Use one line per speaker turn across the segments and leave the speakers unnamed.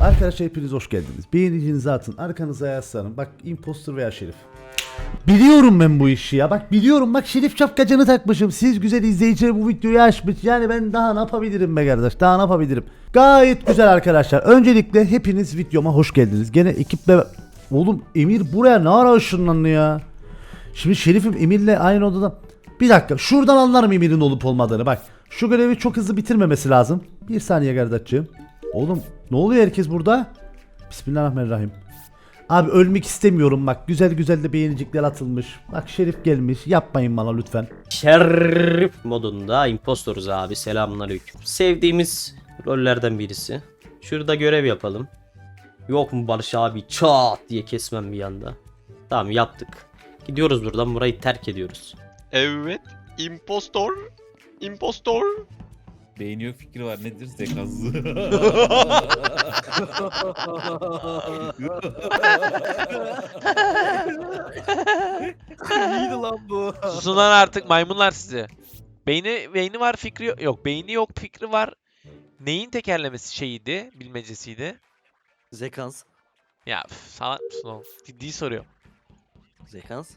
Arkadaşlar hepiniz hoş geldiniz. Beğenicinizi atın, arkanıza yaslanın. Bak impostor veya Şerif. Biliyorum ben bu işi ya. Bak biliyorum, bak Şerif şapkacını takmışım. Siz güzel izleyiciler bu videoyu açmış. Yani ben daha ne yapabilirim be kardeş? Daha ne yapabilirim? Gayet güzel arkadaşlar. Öncelikle hepiniz videoma hoş geldiniz. Gene ekiple... Oğlum Emir buraya ne ara ışınlandı ya? Şimdi Şerif'im Emir'le aynı odada... Bir dakika, şuradan anlarım Emir'in olup olmadığını. Bak şu görevi çok hızlı bitirmemesi lazım. Bir saniye kardeşciğim. Oğlum ne oluyor herkes burada? Bismillahirrahmanirrahim. Abi ölmek istemiyorum bak, güzel güzel de beğenicikler atılmış. Bak Şerif gelmiş, yapmayın bana lütfen.
Şerif modunda impostoruz abi, selamünaleyküm. Sevdiğimiz rollerden birisi. Şurada görev yapalım. Yok mu Barış abi, çat diye kesmem bir anda. Tamam yaptık. Gidiyoruz buradan, burayı terk ediyoruz.
Evet. Impostor. Impostor.
Beyin yok, fikri var, nedir zekası?
İyiydi lan bu.
Susun lan artık maymunlar sizi. Beyni var, fikri yok. Yok, beyni yok, fikri var. Neyin tekerlemesi şeyiydi, bilmecesiydi?
Zekans.
Ya salak mısın oğlum? Ciddi soruyorum.
Zekans.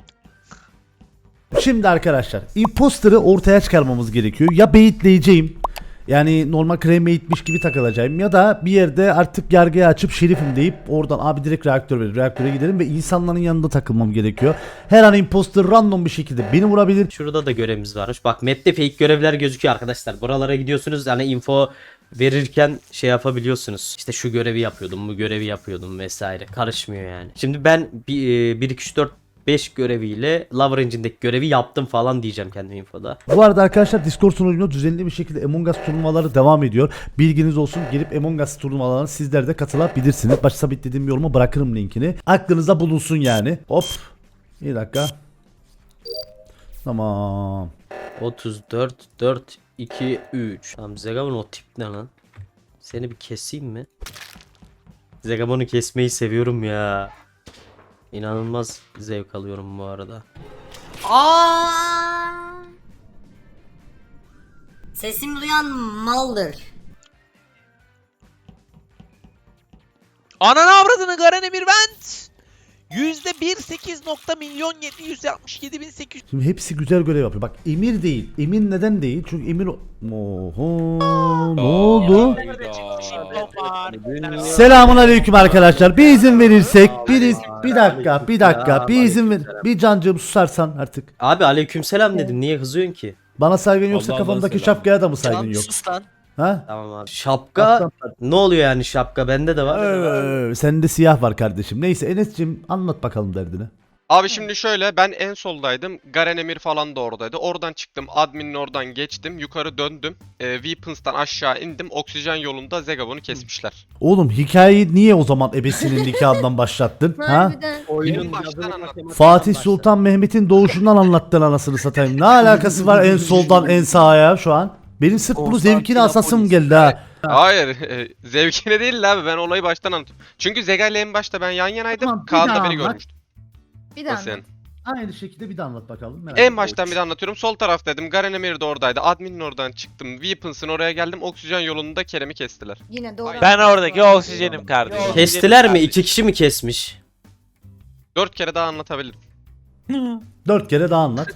Şimdi arkadaşlar imposter'ı ortaya çıkarmamız gerekiyor. Ya beyitleyeceğim, yani normal cremate'miş gibi takılacağım, ya da bir yerde artık yargıya açıp Şerif'im deyip oradan abi direkt reaktöre gidelim ve insanların yanında takılmam gerekiyor. Her an imposter random bir şekilde beni vurabilir.
Şurada da görevimiz varmış. Bak map'te fake görevler gözüküyor arkadaşlar. Buralara gidiyorsunuz, hani info verirken şey yapabiliyorsunuz. İşte şu görevi yapıyordum, bu görevi yapıyordum vesaire. Karışmıyor yani. Şimdi ben 1 2 3 4 5 göreviyle Lover Engine'deki görevi yaptım falan diyeceğim kendi infoda.
Bu arada arkadaşlar Discord sunucunda düzenli bir şekilde Among Us turnuvaları devam ediyor. Bilginiz olsun, gelip Among Us turnuvalarına sizler de katılabilirsiniz. Başta sabitlediğim yoruma bırakırım linkini. Aklınızda bulunsun yani. Hop. Bir dakika. Tamam.
34 4 2 3. Tamam Zegabon o tip ne lan? Seni bir keseyim mi? Zegabon'u kesmeyi seviyorum ya. İnanılmaz zevk alıyorum bu arada.
Aa! Sesimi duyan maldır.
Ananı avradını Garen Emir Vent! %1,8,767,800.
Şimdi hepsi güzel görev yapıyor. Bak Emir değil. Emir neden değil? Çünkü Emir... Oho. Ne oldu? Selamun aleyküm arkadaşlar. Bir izin verirsek, bir dakika, bir izin ver. Bir cancığım susarsan artık.
Abi aleykümselam dedim, niye kızıyorsun ki?
Bana saygın yoksa
Allah
kafamdaki
selam.
şapkaya da mı saygın
Can
yok?
sus lan.
Ha?
Tamam abi. Şapka ne oluyor yani, şapka bende de var.
Sende siyah var kardeşim. Neyse Enes'cim anlat bakalım derdini.
Abi şimdi şöyle, ben en soldaydım. Garen Emir falan da oradaydı. Oradan çıktım. Admin'in oradan geçtim. Yukarı döndüm. Weapons'tan aşağı indim. Oksijen yolunda Zegabon'u kesmişler.
Oğlum hikayeyi niye o zaman ebesinin nikahından başlattın? Ha?
Harbiden.
Oyunun
Baştan anlat.
Fatih Sultan Mehmet'in doğuşundan anlattın anasını satayım. Ne alakası var en soldan en sağa şu an? Benim sırf bunu zevkine asasım geldi ha.
Hayır. Zevkine değil abi. Ben olayı baştan anlatıyorum. Çünkü Zega ile en başta ben yan yanaydım.
Tamam, bir
Kaan da
daha
beni
anlat.
görmüştü.
Bir daha.
Nasıl yani?
Aynı şekilde bir de anlat bakalım. Merak
En
ettim.
baştan bir de anlatıyorum. Sol taraftaydım. Garen Emir de oradaydı. Admin'in oradan çıktım. Weapons'ın oraya geldim. Oksijen yolunda Kerem'i kestiler.
Yine doğru.
Ben oradaki oksijenim kardeşim.
Kestiler mi? 2 kişi mi kesmiş?
4 kere daha anlatabilirim.
4 kere daha anlat.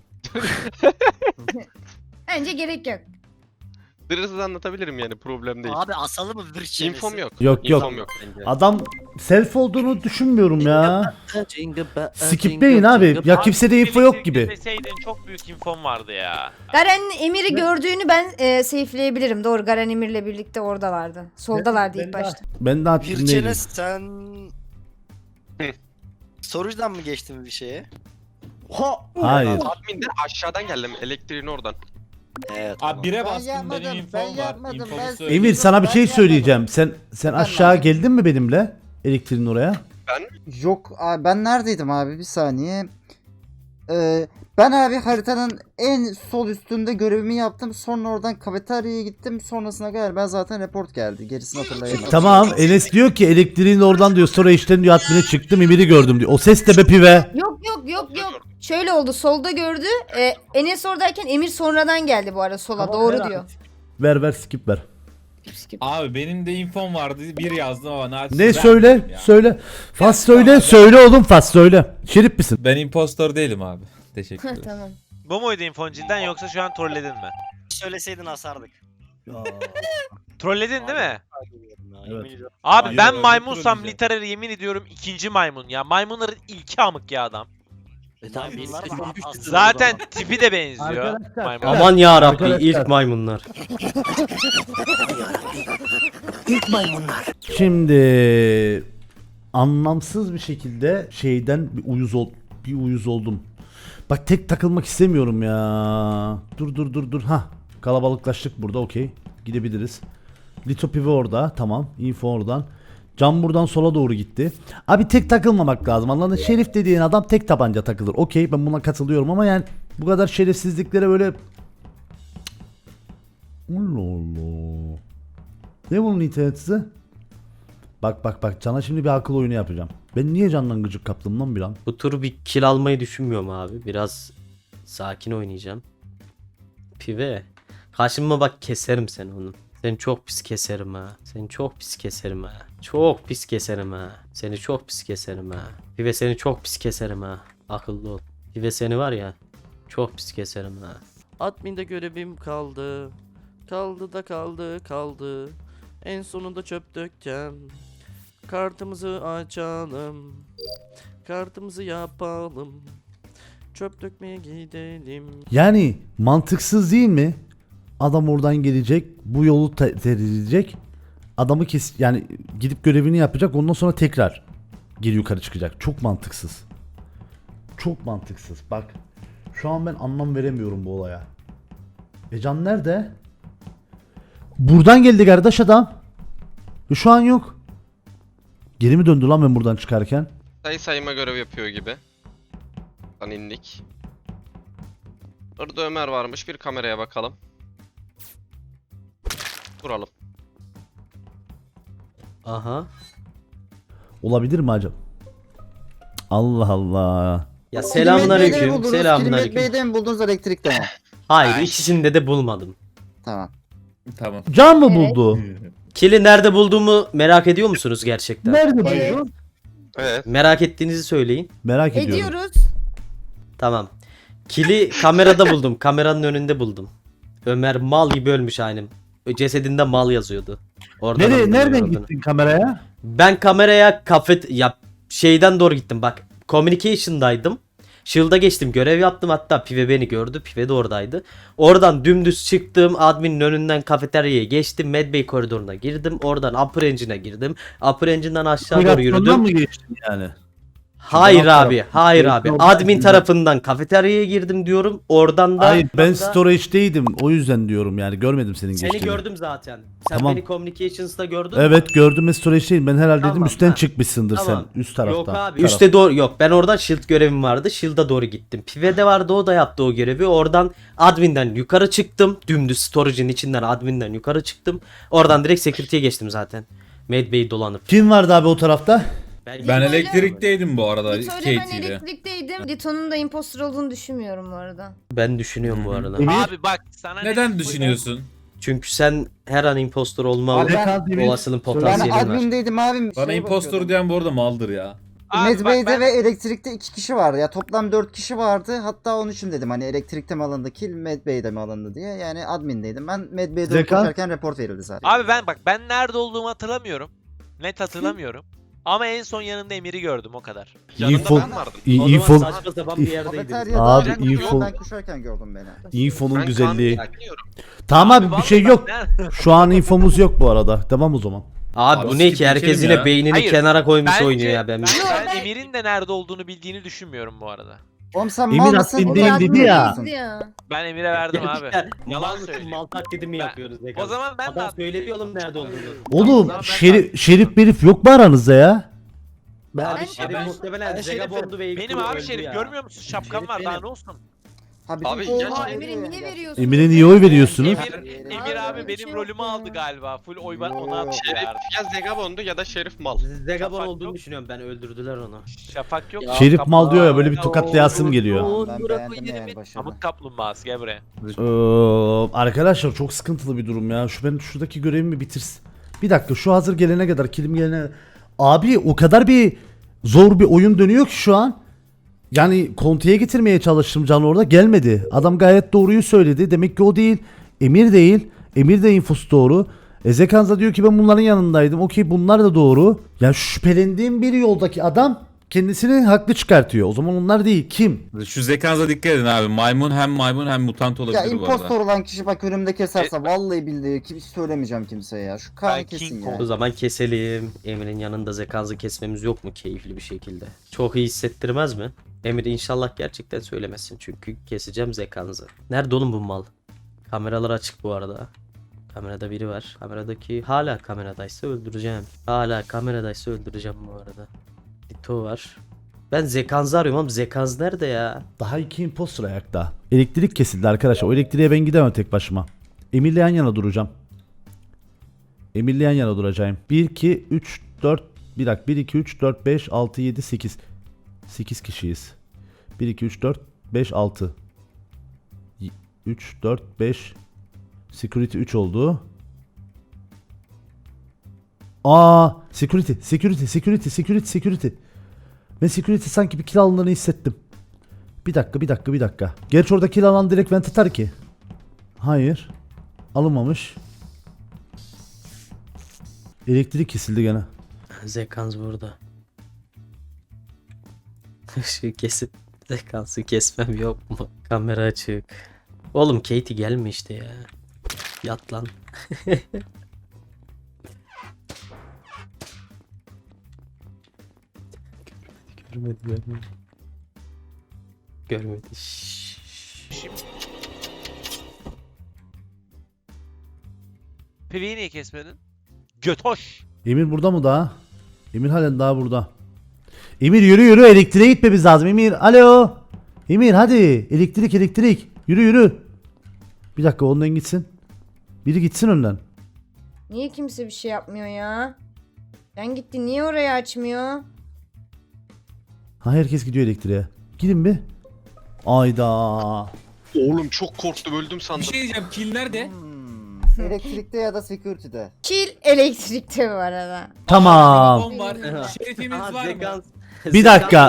Bence gerek yok.
Hırsız anlatabilirim yani, problem değil.
Abi asalım mı bir şey?
İnfom yok.
Yok
İnfom yok.
Adam self olduğunu düşünmüyorum ya. Skipleyin abi. Ya kimsede info yok gibi.
Deseydin çok büyük infom vardı ya.
Garen Emir'i gördüğünü ben safe'leyebilirim. Doğru, Garen Emir'le birlikte oradalardı. Soldalardı ilk başta.
Ben daha
Bir
değilim.
çene sen... Storage'dan mı geçtin bir şeye?
Hayır.
Admin'den aşağıdan geldim. Elektriğin oradan.
Evet.
Abi bire
Ben
bastım,
yapmadım,
benim
ben
infom var.
yapmadım,
İnfomu
ben-
söyleyeyim.
Emir sana bir şey
Ben
söyleyeceğim. Sen aşağı
yapmadım.
geldin mi benimle? Elektriğin oraya.
Yok abi, ben neredeydim abi, bir saniye. Ben abi haritanın en sol üstünde görevimi yaptım. Sonra oradan kafeteryaya gittim. Sonrasına kadar ben zaten report geldi. Gerisini hatırlayamadım.
Tamam Enes diyor ki elektriğin oradan diyor, sonra işten diyor admine çıktım Emir'i gördüm diyor. O ses de be pive.
Yok. Şöyle oldu. Solda gördü. Enes oradayken Emir sonradan geldi bu arada sola.
Tamam,
doğru
ver
diyor.
Ver skip ver.
skip.
Abi benim de infom vardı. Bir yazdım ama naçizane
Ne
vermedim
söyle?
ya.
Söyle. Fas söyle. Söyle oğlum Fas söyle. Şerif misin?
Ben impostor değilim abi. Teşekkür ederim.
Tamam.
Bu muydu infon cidden yoksa şu an trolledin mi?
Söyleseydin asardık.
Trolledin değil mi?
Yemin ediyorum.
Abi
Hayır,
ben
öyle
maymunsam
trolleyeceğim.
literal yemin ediyorum ikinci maymun ya. Maymunların ilki amık ya adam.
Bunlar mı?
Zaten tipi de benziyor.
Arkadaşlar,
Maymun.
Aman ya Rabbi
Arkadaşlar.
ilk maymunlar.
Şimdi anlamsız bir şekilde şeyden bir uyuz oldum. Bak tek takılmak istemiyorum ya. Dur. Ha, kalabalıklaştık burada, okey. Gidebiliriz. Lito Pive orada, tamam. Info oradan. Can buradan sola doğru gitti. Abi tek takılmamak lazım. Anladın? Şerif dediğin adam tek tabanca takılır. Okey, ben buna katılıyorum ama yani bu kadar şerefsizliklere böyle... Allah Allah. Ne bunun interneti? Bak Can'a şimdi bir akıl oyunu yapacağım. Ben niye Can'dan gıcık kaptım lan bir an?
Bu tur bir kill almayı düşünmüyorum abi. Biraz sakin oynayacağım. Pive. Karşıma bak, keserim seni onu. Seni çok pis keserim ha. Seni çok pis keserim ha. Çok pis keserim ha. Seni çok pis keserim ha. Pive seni çok pis keserim ha. Akıllı ol. Pive seni var ya, çok pis keserim ha.
Admin'de görevim kaldı. Kaldı da kaldı. En sonunda çöp dökeceğim. Kartımızı açalım. Kartımızı yapalım. Çöp dökmeye gidelim.
Yani mantıksız değil mi? Adam oradan gelecek, bu yolu tercih. Adamı yani gidip görevini yapacak, ondan sonra tekrar geri yukarı çıkacak. Çok mantıksız. Çok mantıksız. Bak. Şu an ben anlam veremiyorum bu olaya. Can nerede? Buradan geldi kardeş adam. Şu an yok. Geri mi döndü lan ben buradan çıkarken?
Sayma görev yapıyor gibi. Lan indik. Orada Ömer varmış. Bir kameraya bakalım. Vuralım.
Aha.
Olabilir mi acaba? Allah Allah.
Ya selamünaleyküm.
Kilimet
Selamünaleyküm.
Bey'de mi buldunuz elektrikte mi?
Hayır, ikisinde de bulmadım.
Tamam.
Tamam.
Can mı
Evet.
buldu?
Kill'i nerede bulduğumu merak ediyor musunuz gerçekten?
Nerede
Evet.
buldu?
Evet.
Merak ettiğinizi söyleyin.
Merak ediyorum.
Ediyoruz.
Tamam. Kill'i kamerada buldum. Kameranın önünde buldum. Ömer mal gibi ölmüş aynı. Cesedinde mal yazıyordu. Oradan anladım
Nereden
olduğunu.
gittin kameraya?
Ben kameraya şeyden doğru gittim bak. Communication'daydım. Shield'a geçtim, görev yaptım, hatta Pive beni gördü. Pive de oradaydı. Oradan dümdüz çıktım, adminin önünden kafeteryaya geçtim. Medbay koridoruna girdim. Oradan Upper Engine'e girdim. Upper Engine'den aşağı doğru
Operasyondan
yürüdüm.
mı geçtin yani?
Hayır
Taraf
abi,
tarafı.
hayır
Şey,
abi.
yoldan
Admin
girdim.
tarafından kafeteryaya girdim diyorum. Oradan da...
Hayır, ben
da-
storage'deydim. O yüzden diyorum yani. Görmedim senin
Seni
geçtiğini.
gördüm zaten. Sen
Tamam.
beni Communications'ta gördün mü?
Evet, gördüm, ben storage'deyim. Ben herhalde dedim
Tamam,
üstten
ha.
çıkmışsındır
Tamam.
sen. Üst taraftan.
Yok abi,
Taraf.
üstte doğru yok. Ben oradan shield görevim vardı. Shield'a doğru gittim. Pive'de vardı, o da yaptı o görevi. Oradan admin'den yukarı çıktım. Dümdüz storage'in içinden admin'den yukarı çıktım. Oradan direkt security'ye geçtim zaten. Medbay'i dolanıp.
Kim vardı abi o tarafta?
Ben elektrikteydim bu arada
Lito ile ben
Katie ile.
elektrikteydim. Lito'nun da impostor olduğunu düşünmüyorum bu arada.
Ben düşünüyorum bu arada.
Abi bak sana
Neden
net-
düşünüyorsun?
Çünkü sen her an impostor olma
Abi ben-
olasılığın
Ben
potansiyelin var.
admindeydim abi.
Bana impostor diyen bu arada maldır ya.
Abi bak
Medbay'de
ben-
ve elektrikte 2 kişi vardı. Ya toplam 4 kişi vardı. Hatta onun için dedim hani elektrikte mi alındı kill, Medbay'de mi alındı diye. Yani admindeydim. Ben Medbay'de
Zekan?
otururken report verildi zaten.
Abi ben nerede olduğumu hatırlamıyorum. Net hatırlamıyorum. Ama en son yanında Emir'i gördüm o kadar.
Yanında
Info,
ben vardım.
O zaman
info,
saçma sapan bir yerdeydiniz.
Kafeteryada
Abi,
ben
info-
ben koşarken gördüm beni.
infonun
Ben
güzelliği.
Kaan'ı bekliyorum.
Tamam abi, bir
vallahi
şey
bak
yok.
nerede-
Şu an infomuz yok bu arada. Tamam o zaman.
Abi bu
Abi
ne
skip
ki, herkes
geçelim
yine
ya.
beynini
Hayır,
kenara koymuş
Bence-
oynuyor ya ben.
Ben Emir'in de nerede olduğunu bildiğini düşünmüyorum bu arada.
Oğlum sen
Emin
mal mısın?
admindeyim
Ulan
dedi ya.
admin
ya.
Ben Emir'e verdim abi.
Yalan
söylüyor.
mal taklidi mi
Ben-
yapıyoruz?
O zaman ben de
Adam
admin
söyledi oğlum nerede olduğunu.
Oğlum
Tamam, ben
şerif berif yok mu aranızda ya?
Ben
Ben-
Şerif
ben-
muhtemelen
ben
Zegabondu ve
Benim
İlknur
abi
öldü
Şerif
ya.
görmüyor musun? Şapkam
Şerif
var daha
benim.
ne olsun?
Ha, bizim
Abi,
şey-
gerçekten-
Emir'e niye veriyorsun?
Emir'e niye oy veriyorsunuz?
Emir abi benim rolümü aldı galiba. Full oy ben ona
Yo.
Şerif
attılar.
ya Zegabon'du ya da Şerif mal.
Zegabon
Şafak
olduğunu
yok.
düşünüyorum ben, öldürdüler onu.
Şafak yok.
Şerif mal diyor ya, böyle bir tokatlayasım geliyor.
Ben beğendim yani başarılı.
Pamuk kaplumbağası gel buraya.
Arkadaşlar çok sıkıntılı bir durum ya. Ben şuradaki görevimi bitirsin. Bir dakika, şu hazır gelene kadar, kilim gelene. Abi o kadar bir zor bir oyun dönüyor ki şu an. Yani kontiye getirmeye çalıştım, Can orada gelmedi. Adam gayet doğruyu söyledi. Demek ki o değil. Emir değil. Emir de infosu doğru. Zekanza diyor ki ben bunların yanındaydım. Okey, bunlar da doğru. Ya şüphelendiğim bir yoldaki adam kendisini haklı çıkartıyor. O zaman onlar değil. Kim?
Şu zekanıza dikkat edin abi. Maymun hem mutant olabilir
Ya
bu arada.
impostor olan kişi bak önümde keserse vallahi billahi hiç söylemeyeceğim kimseye ya. Şu kan
Ben
kesin
King
ya.
O zaman keselim. Emir'in yanında Zekans'ı kesmemiz yok mu keyifli bir şekilde? Çok iyi hissettirmez mi? Emir inşallah gerçekten söylemesin çünkü keseceğim Zekans'ı. Nerede oğlum bu mal? Kameralar açık bu arada. Kamerada biri var. Kameradaki hala kameradaysa öldüreceğim. Hala kameradaysa öldüreceğim bu arada. Dito var. Ben Zekans'ı arıyorum ama Zekans nerede ya? Daha iki imposter ayakta. Elektrik kesildi arkadaşlar. O elektriğe ben gidemem tek başıma. Emir'le yan yana duracağım. Emir'le yan yana duracağım. 1, 2, 3, 4. Bir dakika. 1, 2, 3, 4, 5, 6, 7, 8. 8 kişiyiz. 1, 2, 3, 4, 5, 6. 3, 4, 5. Security 3 oldu. Security. Ben security sanki bir kill alındığını hissettim. Bir dakika. Gerçi orada kill alan direkt vent atar ki. Hayır. Alınmamış. Elektrik kesildi gene. Zekans burada. Şu kesip Zekans'ı kesmem yok mu? Kamera açık. Oğlum Katie gelme işte ya. Yat lan. Görmedi.
Piveyi niye kesmedin? Götoş.
Emir burada mı daha? Emir halen daha burada. Emir yürü elektriğe gitmemiz lazım Emir. Alo. Emir hadi elektrik. Yürü. Bir dakika, ondan gitsin. Biri gitsin önden.
Niye kimse bir şey yapmıyor ya? Ben gitti, niye orayı açmıyor?
Ha, herkes gidiyor elektriğe. Gidin bir. Ayda.
Oğlum çok korktum, öldüm
Bir
sandım.
şey diyeceğim. Kill nerede?
Elektrikte ya da security'de.
Kill elektrikte bu arada.
Tamam.
Telefon var. Şerifimiz var mı?
Bir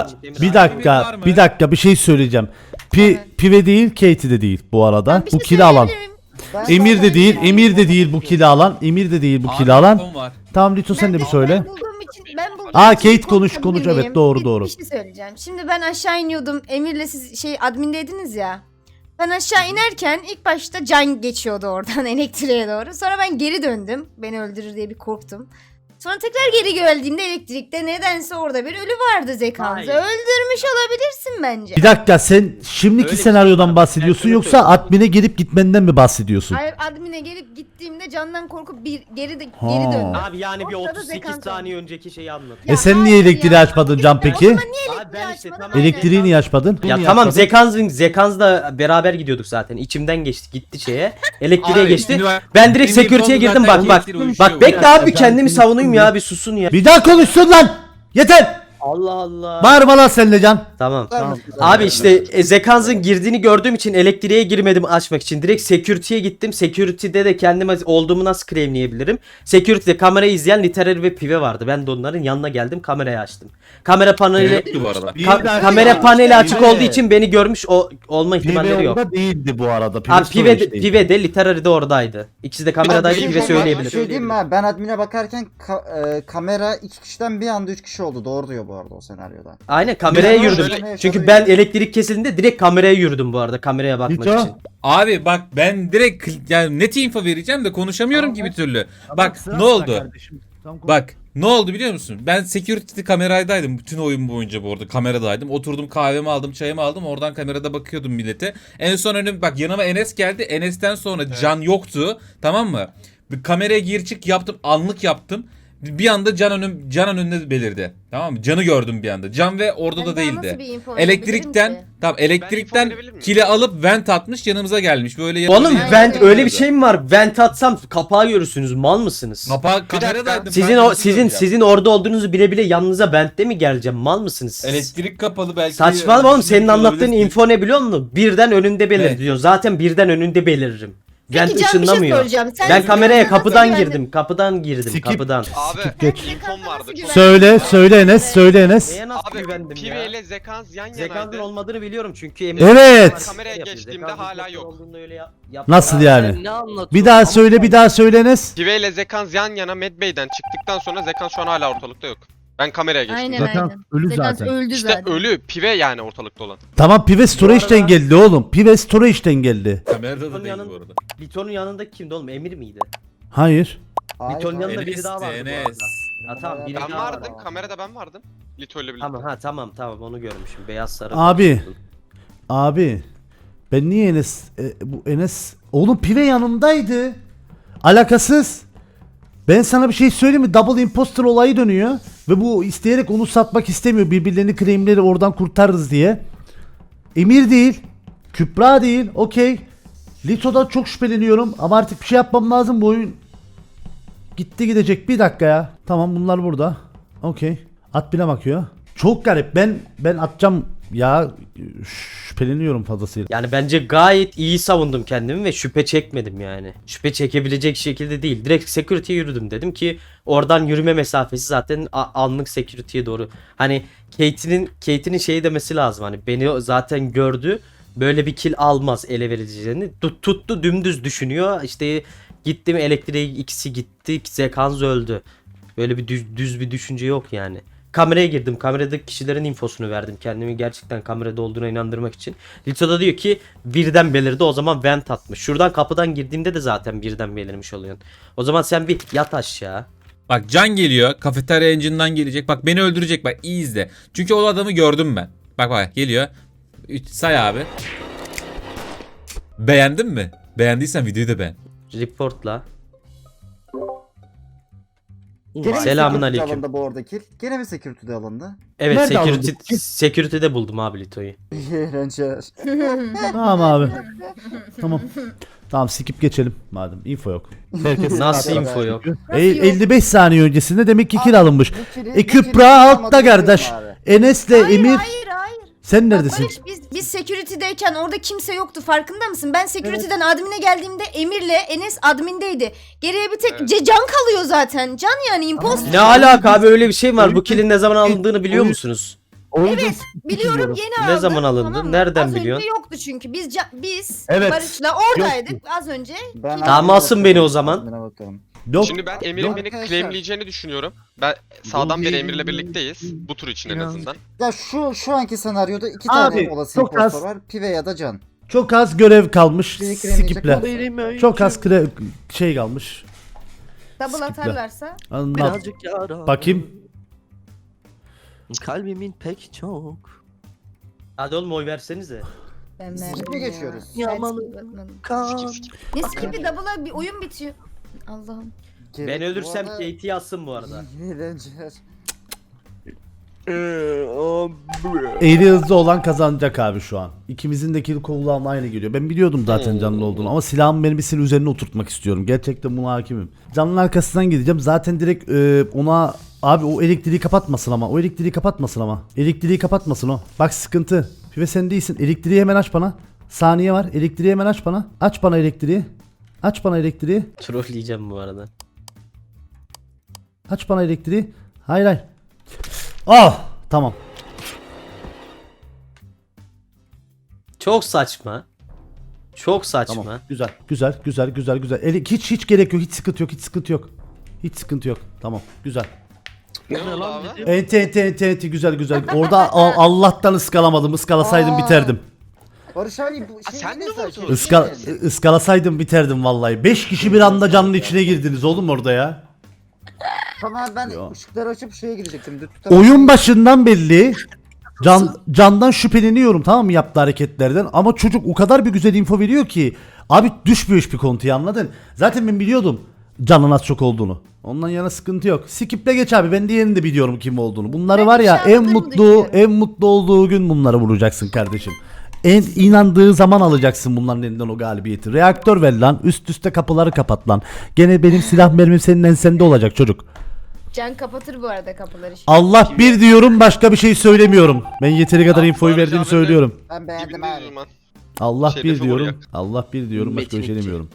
dakika bir şey söyleyeceğim. Pive değil, Katie de değil bu arada.
Ben bir
Bu
şey
kill'i alan.
söyleyebilir miyim?
Emir de değil, Emir de değil bu kill'i alan.
Telefon var.
Tamam Lito sen de bir söyle.
Ben bulduğum
Aa,
için
Kate konuş,
konuşabilir
evet,
miyim?
doğru.
Bir şey söyleyeceğim. Şimdi ben aşağı iniyordum. Emir'le siz admindeydiniz ya. Ben aşağı inerken ilk başta Can geçiyordu oradan elektriğe doğru. Sonra ben geri döndüm. Beni öldürür diye bir korktum. Sonra tekrar geri geldiğimde elektrikte nedense orada bir ölü vardı Zekans'ı.
Hayır.
Öldürmüş olabilirsin bence.
Bir dakika, sen şimdiki
Öyle bir
senaryodan
şey
bahsediyorsun
yok.
yoksa admine gelip gitmenden mi bahsediyorsun?
Hayır, admine gelip gittiğimde Candan korkup geri
Ha.
döndüm.
Abi yani bir
Ortada
38
Zekans
saniye önceki şeyi anlat.
Ya
Sen niye
hayır
elektriği
ya.
açmadın Can peki?
O zaman niye
Abi ben işte
açmadın?
tamam.
Elektriği niye açmadın?
Ya
Niye
tamam,
açmadın?
Zekans'la beraber gidiyorduk zaten. İçimden geçti, gitti şeye. Elektriğe
Abi,
geçti.
şimdi
Ben direkt
benim
security'ye
konu
girdim,
zaten
bak.
elektrik
Bak
uyuşuyor.
bekle abi,
Ben
kendimi
seni
savunayım
tuttum
ya, bir susun ya.
Bir daha konuşsun lan! Yeter!
Allah Allah.
Bağırma lan sen de Can.
Tamam.
Tamam.
Abi işte Zekans'ın girdiğini gördüğüm için elektriğe girmedim açmak için. Direkt security'ye gittim. Security'de de kendime olduğumu nasıl claimleyebilirim? Security'de kamerayı izleyen Literary ve Pive vardı. Ben de onların yanına geldim, kamerayı açtım. Kamera paneli
Yoktu bu arada.
kamera paneli açık
Pive.
olduğu için beni görmüş olma ihtimalleri yok.
orada değildi bu arada.
Abi
storage değil.
Pive de Literary de oradaydı. İkisi de kameradaydı,
Bir
Pive
şey
söyleyebilir.
diyeyim mi abi? Ben admine bakarken kamera 2 kişiden bir anda 3 kişi oldu. Doğru diyor bu arada o senaryoda.
Aynen kameraya
Ben
yürüdüm.
şöyle-
Çünkü ben elektrik kesildiğinde direkt kameraya yürüdüm bu arada, kameraya bakmak
Lito.
için.
Abi bak ben direkt yani net info vereceğim de konuşamıyorum ki bir türlü. Bak ne oldu? Bak ne oldu biliyor musun? Ben security kameradaydım bütün oyun boyunca bu arada, kameradaydım. Oturdum, kahvemi aldım, çayımı aldım, oradan kamerada bakıyordum millete. En son bak yanıma Enes geldi. Enes'ten sonra Can yoktu, tamam mı? Bir kameraya gir çık yaptım, anlık yaptım. Bir anda can önünde belirdi. Tamam mı? Canı gördüm bir anda. Can ve orada da
Ben daha nasıl
değildi.
bir info verebilirim
Elektrikten
ki?
tamam
Ben info
elektrikten
verebilir miyim?
kili alıp vent atmış yanımıza gelmiş. Böyle
Oğlum
Aynen
vent
öyle.
öyle bir şey mi var? Vent atsam kapağı görürsünüz. Mal mısınız?
Kapağı kameradaydım.
Sizin
kanka,
o
nasıl
sizin
göreceğim?
sizin orada olduğunuzu bile bile yanınıza ventte mi geleceğim? Mal mısınız siz?
Elektrik kapalı belki.
Saçmalama oğlum, senin
Düşünüyor
anlattığın
olabilirsin.
info ne biliyor musun? Birden önünde belir
Evet.
diyor. Zaten birden önünde beliririm. Vent
Peki Can bir şey
ışınlamıyor.
soracağım. Sen
Ben kameraya
nasıl
kapıdan
güvendin?
girdim. Kapıdan girdim.
Skip.
Kapıdan.
Abi
geç.
infom vardı. Çok...
Söyle Enes, söyle Enes.
Neye nasıl
Abi
güvendim
Pive
ya?
ile Zekans yan
Zekan'ın
yanaydı.
olmadığını biliyorum çünkü
Evet.
Kameraya geçtiğimde hala yok.
Nasıl yani?
Sen ne anlatıyorsun?
Bir daha söyle, bir daha söyle Enes.
Pive ile Zekans yan yana Medbay'den çıktıktan sonra Zekans şu an hala ortalıkta yok. Ben kameraya geçtim.
Aynen
zaten.
aynen.
ölü
Zekans
zaten.
öldü
İşte
zaten.
ölü Pive yani ortalıkta olan.
Tamam, Pive Storage'den geldi oğlum. Pive Storage'den geldi.
Kamerada da
Onun
değil
yanında-
bu arada.
Liton'un yanında kimdi oğlum? Emir miydi?
Hayır.
Liton'un yanında biri
Enes,
daha vardı bu
Enes.
arada. Ha tamam, biri
Ben
daha
vardım.
vardı.
Kamerada ben vardım. Lito ile birlikte.
Tamam onu görmüşüm. Beyaz sarı.
Abi. Abi. Ben niye Enes bu Enes oğlum Pive yanımdaydı. Alakasız. Ben sana bir şey söyleyeyim mi? Double imposter olayı dönüyor ve bu isteyerek onu satmak istemiyor. Birbirlerini claimleri oradan kurtarırız diye. Emir değil. Kübra değil. Okey. Lito'dan çok şüpheleniyorum ama artık bir şey yapmam lazım, bu oyun gitti gidecek. Bir dakika ya. Tamam, bunlar burada. Okey. At bile bakıyor. Çok garip. Ben atacağım ya, şüpheleniyorum fazlasıyla.
Yani bence gayet iyi savundum kendimi ve şüphe çekmedim yani. Şüphe çekebilecek şekilde değil. Direkt security'ye yürüdüm. Dedim ki oradan yürüme mesafesi zaten anlık security'ye doğru. Hani Kate'nin şeyi demesi lazım. Hani beni zaten gördü. Böyle bir kill almaz ele vereceğini. Tuttu dümdüz düşünüyor. İşte gittim elektriğe, ikisi gitti. Zekans öldü. Böyle bir düz bir düşünce yok yani. Kameraya girdim. Kameradaki kişilerin infosunu verdim. Kendimi gerçekten kamerada olduğuna inandırmak için. Lito da diyor ki birden belirdi. O zaman vent atmış. Şuradan kapıdan girdiğimde de zaten birden belirmiş oluyorsun. O zaman sen bir yat aşağı.
Bak Can geliyor. Kafeterya engine'dan gelecek. Bak beni öldürecek. Bak iyi izle. Çünkü o adamı gördüm ben. Bak geliyor. Say abi. Beğendin mi? Beğendiysen videoyu da beğen.
Reportla.
Gene mi
Selamünaleyküm.
security alındı bu arada kill? Gene mi security'de alındı?
Evet,
Nerede
security'de buldum abi Lito'yu.
Eğlenceler.
Tamam abi. Tamam. Tamam, skip geçelim madem. Info yok. Herkes
Nasıl info yok?
55 saniye öncesinde demek ki kill alınmış.
Bu
Kübra altta kardeş. Enes'le
Hayır,
Emir.
hayır.
Sen
Bak
neredesin?
Barış, biz security'deyken orada kimse yoktu, farkında mısın? Ben security'den admin'e geldiğimde Emir'le Enes admin'deydi. Geriye bir tek
Evet.
Can kalıyor zaten. Can yani imposter.
Ne alaka abi, öyle bir şey var. Bu kill'in ne zaman alındığını biliyor musunuz?
Evet, biliyorum, yeni aldım.
Ne zaman alındı?
mı?
Nereden
Az
biliyorsun?
önce yoktu çünkü. Biz
Evet.
Barış'la oradaydık az önce.
Tamam, alsın beni o zaman.
Yok.
Şimdi ben Emir'in
Yok.
beni
Arkadaşlar.
claimleyeceğini düşünüyorum. Ben sağdan beri Emir'le birlikteyiz. Bu tur için en azından.
Ya şu anki senaryoda iki
Abi,
tane olası
çok
impostor
az.
var. Pive ya da Can.
Çok az görev kalmış.
Bir kremleyecek
Skiple.
Benim
Çok az şey kalmış.
Double
Skip'le.
atarlarsa.
Anlat.
birazcık yara.
Bakayım.
Kalbimin pek çok.
Hadi oğlum oy versenize.
Ben
Skip
verdim
mi
ya.
geçiyoruz?
Yağmalı
Ben bakmadım.
kan.
Ne skip'i, double'a bir oyun bitiyor. Allah'ım.
Ben ölürsem
Bu arada-
Kate'i yazsın bu arada.
Eğlenceler.
Eğri hızlı olan kazanacak abi şu an. İkimizin de kill kulağına aynı geliyor. Ben biliyordum zaten canlı olduğunu ama silahımı benim bir sil üzerine oturtmak istiyorum. Gerçekten buna hakimim. Canlının arkasından gideceğim. Zaten direkt ona abi o elektriği kapatmasın ama. O elektriği kapatmasın ama. Elektriği kapatmasın o. Bak sıkıntı. Pive sen değilsin. Elektriği hemen aç bana. Saniye var. Elektriği hemen aç bana. Aç bana elektriği. Aç bana elektriği.
Trolleyeceğim bu arada.
Aç bana elektriği. Hayır hayır. Ah tamam.
Çok saçma. Çok saçma.
Tamam. Güzel. Hiç gerek yok. Hiç sıkıntı yok. Hiç sıkıntı yok. Tamam. Güzel.
Ne oldu abi?
Enti güzel. Orada Allah'tan ıskalamadım. Iskalasaydım biterdim.
Barış abi bu şey
sen
ne
mi
saçma?
vurdun?
Iskalasaydım biterdim vallahi. 5 kişi bir anda canın içine girdiniz oğlum orada ya.
Tamam ben
Ya.
ışıkları açıp şeye gidecektim.
Oyun başından belli. Candan şüpheleniyorum, tamam mı, yaptığı hareketlerden, ama çocuk o kadar bir güzel info veriyor ki abi düşmüyor hiçbir kontuya, anladın? Zaten ben biliyordum. canın az çok olduğunu. Ondan yana sıkıntı yok. Skip'le geç abi. Ben diğerini de biliyorum kim olduğunu. Bunları
Ben
var ya
inşallah
en
bunu
mutlu
düşünüyorum.
en mutlu olduğu gün bunları vuracaksın kardeşim. En inandığı zaman alacaksın bunların elinden o galibiyeti. Reaktör ver lan. Üst üste kapıları kapat lan. Gene benim silah mermim senin ensende olacak çocuk.
Can kapatır bu arada kapıları şimdi.
Allah bir diyorum, başka bir şey söylemiyorum. Ben yeteri kadar infoyu
Barış
verdiğimi
abi de-
söylüyorum.
Ben beğendim
Dibindeyiz
abi.
o zaman.
Allah
Şey,
bir
defa
diyorum.
oraya.
Allah bir diyorum, başka bir şey
Metin iki.
demiyorum.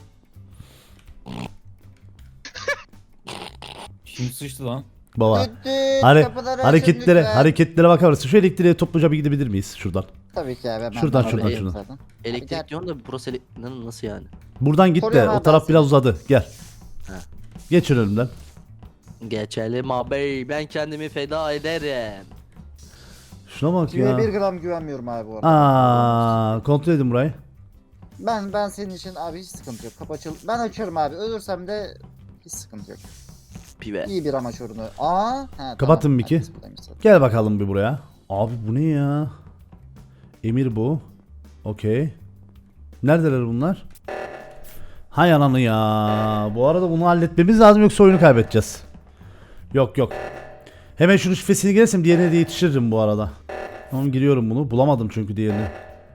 Kim sıçtı lan?
Baba.
Düt düt,
Hani
kapıları açın
hareketlere
lütfen.
hareketlere bakar mısın? Şu elektriğe topluca bir gidebilir miyiz şuradan?
Tabii ki abi. Ben
Şuradan,
ben
şuradan,
alayım
şuradan.
zaten.
Elektrik diyorsun da burası nasıl yani?
Buradan git de
Koruyorum
o
abi
taraf
ben
biraz uzadı. Gel.
Ha.
Geçin önümden.
Geçelim abi ben kendimi feda ederim.
Şuna bak
Tüye
ya.
1 gram güvenmiyorum abi bu arada.
Kontrol edin burayı.
Ben senin için abi hiç sıkıntı yok. Kapı açıl. Ben açarım abi. Ölürsem de hiç sıkıntı yok.
Pive.
İyi bir amaç uğruna. Ha,
Kapatın
tamam.
Miki.
Herkes buradaymış zaten.
Gel bakalım bir buraya. Abi bu ne ya? Emir bu. Okey. Neredeler bunlar? Hay ananı ya. Bu arada bunu halletmemiz lazım yoksa oyunu kaybedeceğiz. Yok yok. Hemen şunun şifresini girersem diğerine de yetişiririm bu arada. Tamam giriyorum bunu. Bulamadım çünkü diğerini.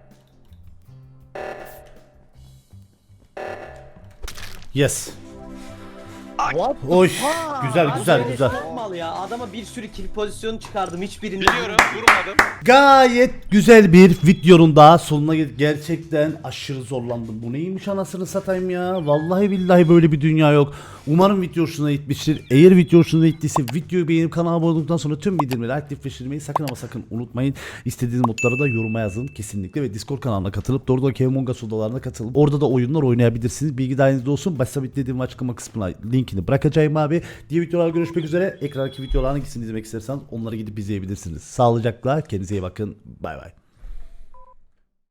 Yes. Oy. Güzel güzel güzel.
Mal ya. Adama bir sürü kill pozisyonu çıkardım. Hiçbirini
Biliyorum, vurmadım.
Gayet güzel bir videonun daha sonuna geldik. Gerçekten aşırı zorlandım. Bu neymiş anasını satayım ya. Vallahi billahi böyle bir dünya yok. Umarım video hoşuna gitmiştir. Eğer video hoşuna gittiyse videoyu beğenip kanala abone olduktan sonra tüm bildirimleri aktifleştirmeyi sakın ama sakın unutmayın. İstediğiniz modları da yoruma yazın kesinlikle ve Discord kanalına katılıp doğrudan Among Us odalarına katılıp orada da oyunlar oynayabilirsiniz. Bilgi dahilinizde olsun. Başta dediğim açıklama kısmına linkini bırakacağım abi. Diğer videolarda görüşmek üzere. Ekrandaki videoların hangisini izlemek isterseniz onları gidip izleyebilirsiniz. Sağlıcakla kendinize iyi bakın. Bay bay.